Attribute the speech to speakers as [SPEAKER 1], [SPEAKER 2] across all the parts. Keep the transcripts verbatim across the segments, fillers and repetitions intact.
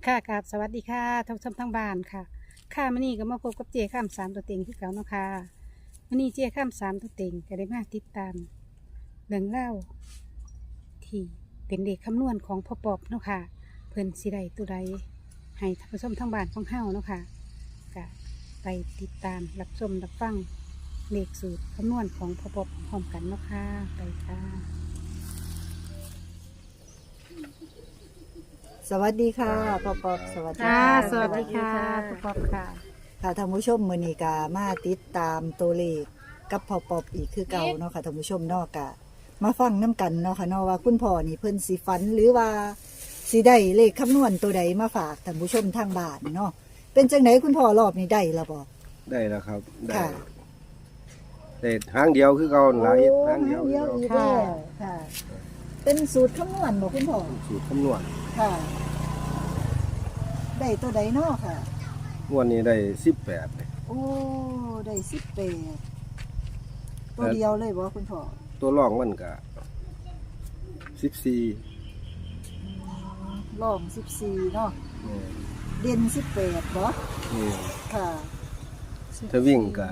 [SPEAKER 1] ค่ะกราบสวัสดีค่ะท่านผู้ชมทั้งบ้านค่ะค่ะมื้อนี้ก็มาพบกับเจข้ามสามตัวเต็งที่เก่าเนาะค่ะมื้อนี้เจข้ามสามตัวเต็งก็ได้มาติดตามเรื่องเล่าที่เป็นเด็กคำนวณของพ่อปอบเนาะค่ะเพิ่นสิได้ตัวใดให้ท่านผู้ชมทั้งบ้านของเฮาเนาะค่ะก็ไปติดตามรับชมรับฟังเลขสูตรคำนวณของพ่อปอบพร้อมกันเนาะค่ะไปค่ะ
[SPEAKER 2] สวัสดีค่ะพ่อปอบสวัสดี
[SPEAKER 1] ค่ะ
[SPEAKER 2] ค่ะ
[SPEAKER 1] สวัสดีค่ะพ่อปอบค่ะ
[SPEAKER 2] ค่ะท่านผู้ชมมื้อนี้ก็มาติดตามตัวเลขกับพ่อปอบอีกคือเก่าเนาะค่ะท่านผู้ชมเนาะก็มาฟังน้กันเนาะค่ะเนาะว่าคุณพ่อนี่เพิ่นสิฝันหรือว่าสิได้เลขคำนวณตัวใดมาฝากท่านผู้ชมทางบ้านเนาะเป็นจังไดคุณพ่อรอบนี้ได้แล้วบ่
[SPEAKER 3] ได้แล้วครับได้
[SPEAKER 2] ค่ะ
[SPEAKER 3] แต่ทางเดียวคือเขาหลายทางเดียว
[SPEAKER 2] เดียวอีก
[SPEAKER 1] ค่ะ
[SPEAKER 2] แล้วค่ะ เป็นสูตรคำนวณบ่คุณพ่อ
[SPEAKER 3] สูตรคำนวณ
[SPEAKER 2] ค่ะ ได้ตัวใดเนาะค่ะ
[SPEAKER 3] งวดนี้ได้สิบแปด
[SPEAKER 2] โอ้ได้สิบแปดตัวเดียวเลยบ่คุณพ่อ
[SPEAKER 3] ตัวรองมันก็สิบสี่
[SPEAKER 2] ลองสิบสี่เนาะเด่นสิบแปดบ่
[SPEAKER 3] นี่
[SPEAKER 2] ค่ะ
[SPEAKER 3] ถ้าวิ่งก็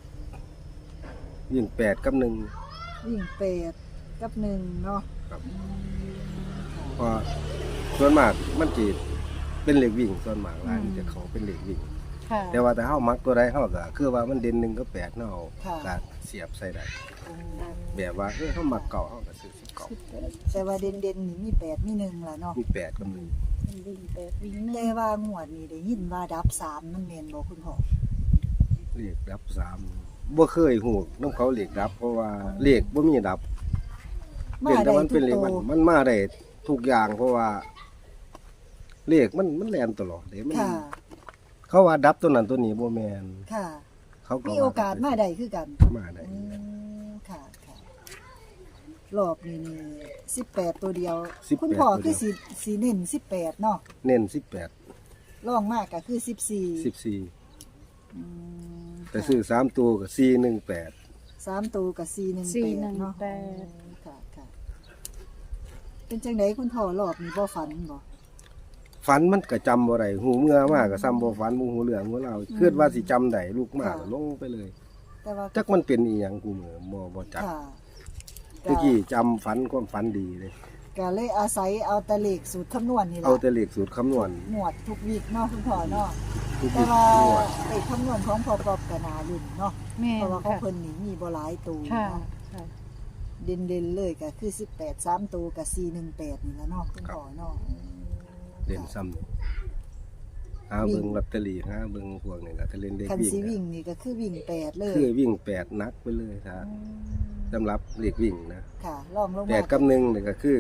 [SPEAKER 3] วิ่งแปดกับหนึ่ง
[SPEAKER 2] วิ่งแปดกับหนึ่งเนาะ
[SPEAKER 3] ครับ
[SPEAKER 2] อืม
[SPEAKER 3] เพราะส่วนมากมันจีเป็นเหล็กวิ่งส่วนมากหลายมันจะเขาเป็นเหล็กวิ่ง
[SPEAKER 1] ค่ะ
[SPEAKER 3] แต่ว่าแต่เฮามักตัวใดเฮาก็คือว่ามันเด่นหนึ่งก็แปดเนาะเอาก็เสียบใส่ได้แบบว่าเออเฮามักเก่าเฮาก็ซื้อสิบเก่า
[SPEAKER 2] แต่ว่าเด่นเด่นๆนี่มีแปดมีหนึ่งล่ะเนาะ
[SPEAKER 3] มีแปดกับหนึ่ง
[SPEAKER 1] วิ่งแปดวิ่งหนึ่
[SPEAKER 2] แต่
[SPEAKER 1] ง
[SPEAKER 2] ว่างวดนี้ได้ยินว่าดับสามมันแม่นบ่คุณพ่อ
[SPEAKER 3] เลขดับสามบ่เคยฮู้นำเขาเลขดับ เพราะว่าเลขบ่มีดับ
[SPEAKER 2] มา
[SPEAKER 3] เป็นแต่
[SPEAKER 2] ได้
[SPEAKER 3] มัน
[SPEAKER 2] ทุ
[SPEAKER 3] เป็
[SPEAKER 2] ก
[SPEAKER 3] นเลข
[SPEAKER 2] โต
[SPEAKER 3] มันมันมาได้ทุกอย่างเพราะว่าเลขมันมันแล่นตลอดเด้มัน
[SPEAKER 2] ค่ะ
[SPEAKER 3] เขาว่าดับตัวนั้นตัวนี้บ่แม่น
[SPEAKER 2] ค่ะ
[SPEAKER 3] เขาก็
[SPEAKER 2] มี
[SPEAKER 3] ว่
[SPEAKER 2] โอกาสมาได้คือกัน
[SPEAKER 3] มาได้
[SPEAKER 2] อืมค่ะค่ะรอบนี้นี่สิบแปดตัวเดียว คุณพ่อคือสีสีเน้นสิบแปดเนาะ
[SPEAKER 3] เน้นสิบแปด
[SPEAKER 2] รองมากก็คือสิบสี่
[SPEAKER 3] สิบสี่
[SPEAKER 2] อืม
[SPEAKER 3] แต่ซื้อสามตัวก็สี่หนึ่งแปด
[SPEAKER 2] สามตัวกับสี่หนึ่ง
[SPEAKER 1] สี่
[SPEAKER 2] แป
[SPEAKER 1] ห
[SPEAKER 2] ด
[SPEAKER 1] นึ่ง
[SPEAKER 2] เนาะ
[SPEAKER 1] แปด
[SPEAKER 2] ค่ะค่ะเป็นจังไดคุณพ่อรอบนี้บ่ฝันบ่
[SPEAKER 3] ฝันมันก็จำบ่ได้หูเมื่อมาก็ซ้ำบ่ฝันบ่หูเรื่องหูเล่าคิดว่าสิจำได้ลูกมาก็ลงไปเลย
[SPEAKER 2] แต่ว่า
[SPEAKER 3] จักมันเป็นอีหยังกูเหมือบ่บ่จัก
[SPEAKER 2] ค่ะ
[SPEAKER 3] ตะกี้จำฝันความฝันดีเลย
[SPEAKER 2] ก็เลยอาศัยเอาแตะเลขสูตรคำนวณนี่ล่ะ
[SPEAKER 3] เอาแต่เลขสูตรคำนวณ
[SPEAKER 2] หมวดทุกวีคเนาะคุณพ่อเนาะ
[SPEAKER 3] ทุก
[SPEAKER 2] แต่
[SPEAKER 3] ที
[SPEAKER 2] ว่า
[SPEAKER 3] หมวด
[SPEAKER 2] เลขคำนวณของพ่อปอบก็น่าลุ้นเนาะ
[SPEAKER 1] แม่
[SPEAKER 2] เพราะว่าของ
[SPEAKER 1] ค่ะ
[SPEAKER 2] เพิ่นนี่มีบ่หลายตัว
[SPEAKER 1] ค่ะ
[SPEAKER 2] เนาะ
[SPEAKER 1] ค่ะ
[SPEAKER 2] เด่นๆเลยก็คือสิบแปด สามตัวกับสี่หนึ่งแปดนี่ล่ะเนาะคุณพ่อเนาะ
[SPEAKER 3] เล่นซ้ำนี่หาเบิ่งลอตเตอรี่หาเบิ่งพวกนี้ก็ถ้าเล่นเลข
[SPEAKER 2] คัน
[SPEAKER 3] วิ่ง
[SPEAKER 2] สิ
[SPEAKER 3] ก็
[SPEAKER 2] วิ่งนี่ก็คือวิ่งแปดเลย
[SPEAKER 3] คือวิ่งแปดนักไปเลยถ้าสำหรับเลขวิ่งนะ
[SPEAKER 2] ค่ะลองลง
[SPEAKER 3] แป
[SPEAKER 2] มา
[SPEAKER 3] ดกับหนึ่งนี่ก็คือ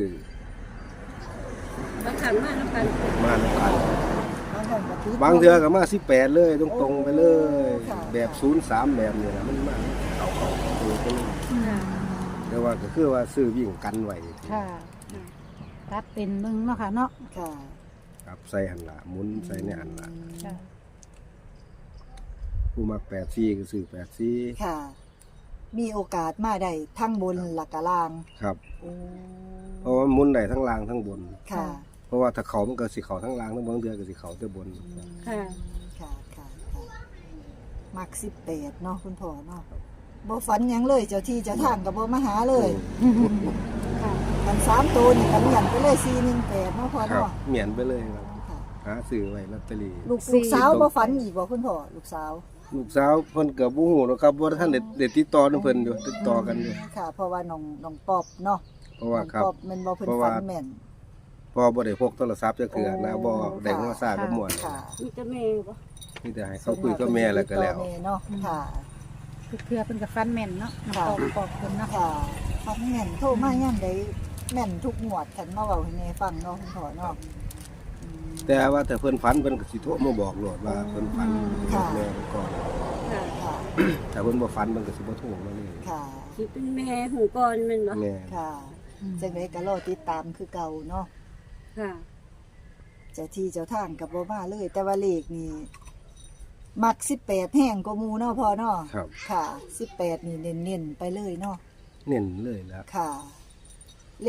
[SPEAKER 1] บางครั้งมาน้ำกัน
[SPEAKER 3] มาในกัน
[SPEAKER 2] บางครั้งก็ติด
[SPEAKER 3] บางเทื่อก็มาสิบแปดเลยตรงๆไปเลย
[SPEAKER 2] โอ้ค่ะ
[SPEAKER 3] แบบศูนย์สามแบบนี้นะมันมาเอาเอาตัวไปเลย
[SPEAKER 1] ค่ะ
[SPEAKER 3] แต่ว่าก็คือว่าซื้อวิ่งกันไว้
[SPEAKER 1] ค่ะตัดเป็นมึงเนาะค่ะเนาะ
[SPEAKER 2] ค่ะ
[SPEAKER 3] ครับใส่หันละหมุนใส่ในหันละ
[SPEAKER 1] ค่ะ
[SPEAKER 3] ผู้มักแปดซี่ก็ซื้อแปดซี่
[SPEAKER 2] ค่ะ มีโอกาสมาได้ทั้งบนหลักกะล่าง
[SPEAKER 3] ครับ
[SPEAKER 2] โอ้
[SPEAKER 3] เพราะว่าหมุนได้ทั้งล่างทั้งบน
[SPEAKER 2] ค่ะ
[SPEAKER 3] เพราะว่าถ้าเขามันก็สิเขาทั้งล่างทั้งบนเดือก็สิเขาแต่บน
[SPEAKER 1] ค่ะ
[SPEAKER 2] ค่ะค่ะค่ะมักสิบแปดเนาะคุณพ่อเนาะบ่ฝันหยังเลยเจ้าที่เจ้าทางกับบ่มาหาเลย
[SPEAKER 1] ค่ะ
[SPEAKER 2] มันสามตัวนี่กันเหยันไปเลยสี่หนึ่งแปดเนาะพ่อ
[SPEAKER 3] ครับ
[SPEAKER 2] เนาะ
[SPEAKER 3] เหมียนไปเลยครับ
[SPEAKER 2] ค่ะ
[SPEAKER 3] หาซื้อไว้ลอตเตอรี่
[SPEAKER 2] ลูกลูกสาวบ่ฝันอีกบ่คุณพ่อลูกสาว
[SPEAKER 3] ลูกสาวเพิ่นก็บ่ฮู้หรอกครับว่าท่านได้ได้ติดต่อนำเพิ่นอยู่ติดต่อกันอยู่
[SPEAKER 2] ค่ะ เพราะว่าน้องน้องปอบเนาะ
[SPEAKER 3] เพราะว่าครับ
[SPEAKER 2] น้องปอบแมันบ่เพิ่น
[SPEAKER 3] เพราะ
[SPEAKER 2] ฝั
[SPEAKER 3] ว่า
[SPEAKER 2] นแม่น
[SPEAKER 3] พอบ่ได้พกโทรศัพท์จักเทื่อนะบ่ได้โทรศัพท์กับหมวน
[SPEAKER 2] ค่ะ
[SPEAKER 1] มีแต่แม่บ่
[SPEAKER 3] มีแต่ให้เขาคุยกับแม่แล้วก็แล้ว
[SPEAKER 2] ติดต่อม่เนาะค่ะ
[SPEAKER 1] คือเพื่อเป็นกับฟันแม่นเนาะน้ำปอกปอกคนเนาะ
[SPEAKER 2] ค่ะฟังแม่นโทรมาย่ำได้แม่นทุกหมวดคันมาเว้าให้แม่ฟังเนาะคุณพ่อเนาะอืม
[SPEAKER 3] แต่ว่าถ้าเพิ่นฝันเพิ่นก็สิโทรมาบอกโลดว่าเพิ่นฝัน
[SPEAKER 2] ค่ะ
[SPEAKER 3] แม่เพิ่นก่อน
[SPEAKER 1] ค่ะ
[SPEAKER 2] ค่ะ
[SPEAKER 3] ถ้าเพิ่นบ่ฝันเพิ่นก็สิบ่โทรมาเลย
[SPEAKER 2] ค่ะ
[SPEAKER 1] สิเป็นแม่หูก่อนแม่นบ่
[SPEAKER 3] แม่
[SPEAKER 2] ค่ะจังไดก็รอติดตามคือเก่าเนาะ
[SPEAKER 1] ค่ะ
[SPEAKER 2] เจ้าที่เจ้าทางกับบ่มาเลย แต่ว่าเลขนี่มักสิบแปดแห้งกว่าหมู่เนาะพ่อเนาะ
[SPEAKER 3] ครับ
[SPEAKER 2] ค่ะสิบแปดนี่เน้นๆไปเลยเนาะ
[SPEAKER 3] เน้นเลยแล้ว
[SPEAKER 2] ค่ะ เลข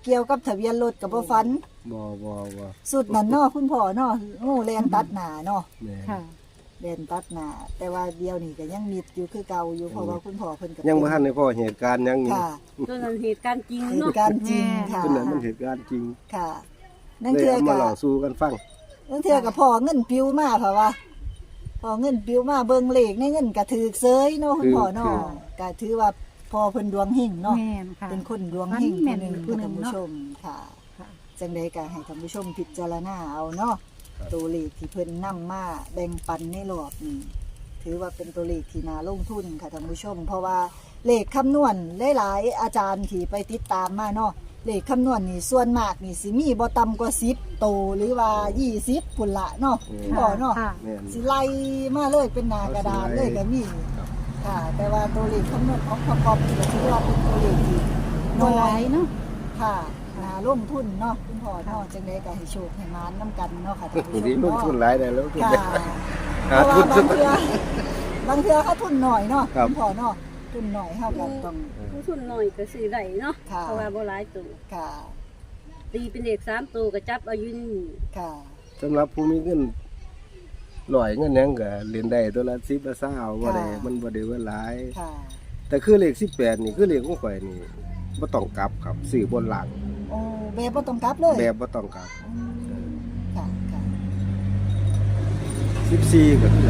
[SPEAKER 2] เกี่ยวกับทะเบียนรถก็บ่ฝัน
[SPEAKER 3] บ่บ่บ่
[SPEAKER 2] สุดนั่นเนาะคุณพ่อเนาะงูแลนตัดหน้าเนาะ
[SPEAKER 3] แม่น
[SPEAKER 1] ค่ะ
[SPEAKER 2] แลนตัดหน้าแต่ว่าเดียวนี่ก็ยังมิดอยู่คือเก่าอยู่เพราะว่าคุณพ่อเพิ่นก็
[SPEAKER 3] ยังบ่ทันได้พอเหตุการณ์หยังนี่
[SPEAKER 2] ค่ะ
[SPEAKER 4] ตัวนั้นเหตุการณ์จริง
[SPEAKER 2] เห
[SPEAKER 4] เนาะ
[SPEAKER 2] ตุการณ์จริงค่ะ
[SPEAKER 3] ตัวนั้นมันเหตุการณ์จริง
[SPEAKER 2] ค่ะนั่น
[SPEAKER 3] เลย
[SPEAKER 2] คือ
[SPEAKER 3] เอามา
[SPEAKER 2] ก็
[SPEAKER 3] เล่าสู่กันฟัง
[SPEAKER 2] นั่นคือก็พ่อเงินปิวมาเพราะว่าพอเงินปิวมาเบิ่งเลขในเงินก็ถูกเซยเนาะคุณพ่อเนาะก็ถือว่าพ่อเพิ่นดวงเฮงเนาะ
[SPEAKER 1] แม่นค่ะ
[SPEAKER 2] เป็นคนดวงเฮง
[SPEAKER 1] แม่
[SPEAKER 2] ผู้
[SPEAKER 1] น
[SPEAKER 2] หนึ่ง
[SPEAKER 1] ผู้
[SPEAKER 2] ค่ะ
[SPEAKER 1] หนึ่
[SPEAKER 2] ท่าง นผู้
[SPEAKER 1] เนาะ
[SPEAKER 2] ชมค่ะ
[SPEAKER 1] ค่ะ
[SPEAKER 2] จังใดก็ให้ท่านผู้ชมพิจารณาเอาเนาะตัวเลขที่เพิ่นนำมาแบ่งปันในรอบนี้ถือว่าเป็นตัวเลขที่น่าลงทุนค่ะท่านผู้ชม เพราะว่าเลขคำนวณหลายๆอาจารย์ที่ไปติดตามมาเนาะเลขคำนวณนี่ส่วนมากนี่สิมีบ่ต่ำกว่าสิบโตวหรือว่ายี่สิบพุ่นละเนาะพ่อเนาะ
[SPEAKER 1] ค่ะ
[SPEAKER 3] แม่น
[SPEAKER 2] สิไล่มาเลยเป็นหนากระดานเลยก็มี
[SPEAKER 3] ครับ
[SPEAKER 2] ค่ะ แต่ว่าตัวเลขคำนวณของประกอบนี่ก็ถือว่าเป็นตัวเลขที่
[SPEAKER 1] บ่
[SPEAKER 2] น้
[SPEAKER 1] ห
[SPEAKER 2] อ
[SPEAKER 1] ลาย
[SPEAKER 2] ย
[SPEAKER 1] เนาะ
[SPEAKER 2] ค่ะนาลงทุนเนาะคุณพ่อเนาะจังไดก็ให้โชคให้มานำกันเนาะค่ะท่านผู้ชม
[SPEAKER 3] นี่ลง
[SPEAKER 2] เนาะ
[SPEAKER 3] ทุนหลายได้แล้วทุน
[SPEAKER 2] ค่ะ
[SPEAKER 3] หา
[SPEAKER 2] เพราะ
[SPEAKER 3] ทุ
[SPEAKER 2] ว่าน บางเทื่อบางเทื่อเขาทุนหน่อยเนาะ
[SPEAKER 3] ครับ
[SPEAKER 2] คุณพ่อเนาะทุนหน่อยเฮาก็ต้อง
[SPEAKER 4] ผู้ทุนหน่อยก็ซื้อได้เนาะ
[SPEAKER 2] ค่ะ
[SPEAKER 4] เพราะว่าบ่หลายตัว
[SPEAKER 2] ค่ะ
[SPEAKER 4] ตีเป็นเลขสามตัวก็จับเอาอยู่นี่
[SPEAKER 2] ค่ะ
[SPEAKER 3] สำหรับผู้มีเงินร้อยเงินหยังก็เรียนได้ตัวละสิบละเศร้าบ่ได้มันบ่ได้ว่าหลาย
[SPEAKER 2] ค่ะ
[SPEAKER 3] แต่คือเลขสิบแปดนี่คือเลขของข่อยนี่บ่ต้องกลับครับซื้อบนหลัง
[SPEAKER 2] โอ้แบบบ่ต้องกลับเลย
[SPEAKER 3] แบบบ่ต้องกลับ
[SPEAKER 2] อืมค่ะค่ะ
[SPEAKER 3] สิบสี่ก็คือกัน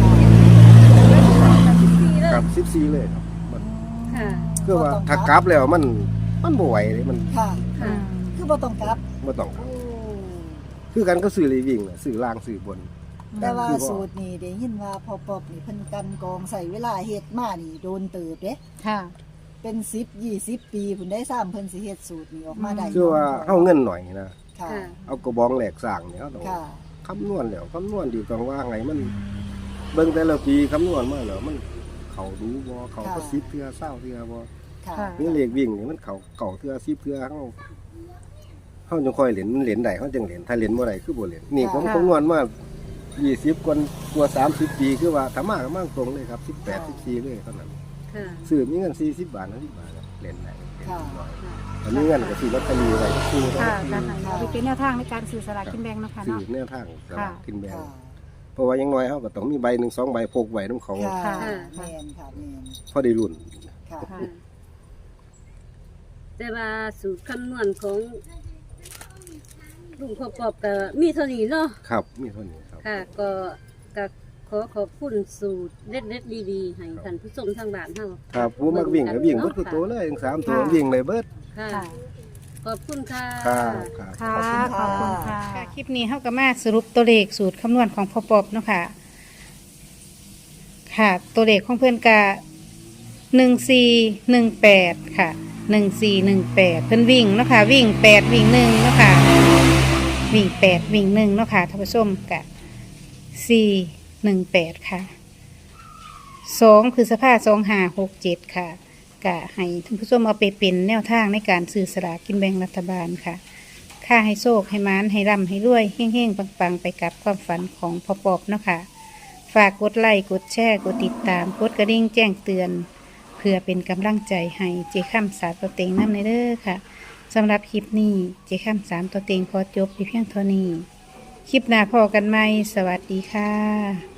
[SPEAKER 4] สิบสี่เลย
[SPEAKER 3] ครับสิบสี่เลยครับมัน
[SPEAKER 4] ค่ะ
[SPEAKER 3] คือว่าถ้ากลับแล้วมันมันบ่ไหวเลยมัน
[SPEAKER 2] ค่ะ
[SPEAKER 4] ค่ะ
[SPEAKER 2] คือบ่ต้องกลับ
[SPEAKER 3] บ่ต้องกลับ
[SPEAKER 2] โอ้
[SPEAKER 3] คือกันก็ซื้อเลขวิ่งน่ะซื้อล่างซื้อบน
[SPEAKER 2] แต่ว่า
[SPEAKER 3] คือบ่
[SPEAKER 2] สูตรนี่ได้ยินว่าพอปอบนี่เพิ่นกันกองใส่เวลาเฮ็ดมานี่โดนเติบเด้
[SPEAKER 1] ค่ะ
[SPEAKER 2] เป็นสิบ ยี่สิบปีเพิ่นได้สร้างเพิ่นสิเฮ็ดสูตรนี้ออกมาได้
[SPEAKER 3] คือว่าเฮาเงินหน่อยนะ
[SPEAKER 2] ค่ะ
[SPEAKER 4] ค่ะ
[SPEAKER 3] เอากระบองแหลกสร้างเนี่ยเฮาต้อง
[SPEAKER 2] ค่ะ
[SPEAKER 3] คำนวณแล้วคำนวณดีต้องว่าไงมัน เบิ่งแต่ละปีคำนวณมาแล้วมันเขาดูบ่เขาก็สิบเทื่อเศร้าเทื่อบ่
[SPEAKER 2] ค่ะ
[SPEAKER 1] ค่ะ
[SPEAKER 3] นี่เลขวิ่งนี่มันเขาเก่าเทื่อสิบเทื่อเฮาเฮาจังค่อยเล่นมันเล่นได้เฮาจังเล่นถ้าเล่นบ่ได้คือบ่เล่นนี่ผมคำนวณมายี่สิบกว่ากว่าสามสิบปีคือว่าถ้ามาก็มาตรงเลยครับสิบแปด สิบสี่เลยเท่านั้น
[SPEAKER 4] ค่ะ
[SPEAKER 3] ซื้อมีเงินสี่สิบบาทห้าสิบบาทเล่นได้
[SPEAKER 2] ค่ะ
[SPEAKER 3] อันนี้เงินก็ซื้อลอตเตอรี่ไว้ซื้อ
[SPEAKER 1] ค่ะการให้เอาไปเป็นแนวทางในการสื่อสลากกินแบ่งเนาะค่ะ
[SPEAKER 3] ซื้อ
[SPEAKER 1] เนาะ
[SPEAKER 3] แนวทางสลากกินแบ่ง
[SPEAKER 2] ค่ะ
[SPEAKER 3] เพราะว่าอยังน้อยเฮาก็ต้องมีใบหนึ่งสองใบพกไว้นำเขา
[SPEAKER 2] ค่ะ
[SPEAKER 1] ค่ะ
[SPEAKER 2] แม่นค่ะแม่น
[SPEAKER 3] พอได้รุ่น
[SPEAKER 2] ค่ะ
[SPEAKER 1] ค่ะ
[SPEAKER 4] แต่ว่าสูตรคำนวณของลุงประกอบก็มีเท่านี้เนาะ
[SPEAKER 3] ครับมีเท่านี้ครับ
[SPEAKER 4] ค่ะ ก็ก็ขอขอบคุณสูตรเด็ดๆดีๆให้ท่านผู้ชมทางบ้านเฮา
[SPEAKER 3] ครับผู้มักวิ่งก็วิ่งเบิดคือตัวเลยทั้งสามตัว
[SPEAKER 1] ค่ะ
[SPEAKER 3] วิ่งเลยเบิด
[SPEAKER 4] ค่ะ
[SPEAKER 1] ค่ะ
[SPEAKER 4] ขอบคุณค่ะ
[SPEAKER 3] ครับครับ
[SPEAKER 1] ค่ะ ข
[SPEAKER 2] ข
[SPEAKER 1] อ
[SPEAKER 2] อ
[SPEAKER 1] บบ
[SPEAKER 2] คุ
[SPEAKER 1] คุณ
[SPEAKER 2] ณ
[SPEAKER 1] ค่ะ
[SPEAKER 2] ค่ะ
[SPEAKER 1] คลิปนี้เขาก็มาสรุปตัวเลขสูตรคำนวณของพ่อปอบเนาะค่ะ ค่ะ ตัวเลขของเพื่อนกาหนึ่งสี่หนึ่งแปดค่ะหนึ่งสี่หนึ่งแปดเพื่อนวิ่งเนาะค่ะ วิ่งแปดวิ่งหนึ่งเนาะค่ะ วิ่งแปดวิ่งหนึ่งเนาะค่ะท่านผู้ชมกะสี่หนึ่งแปดค่ะสองคือสภาพสองห้าหกเจ็ดค่ะ กะให้ท่านผู้ชมเอาไปเป็นแนวทางในการซื้อสลากกินแบ่งรัฐบาลค่ะ ค่าให้โชคให้มานให้ร่ำให้รวยเฮ้งๆปังๆ ไปกับความฝันของพ่อปอบเนาะค่ะ ฝากกดไลค์กดแชร์กดติดตามกดกระดิ่งแจ้งเตือน เพื่อเป็นกำลังใจให้เจข้ามสามตัวเต็งน้ำในเด้อค่ะสำหรับคลิปนี้เจข้ามสามตัวเต็งขอจบไปเพียงเท่านี้ คลิปหน้าพอกันไหมสวัสดีค่ะ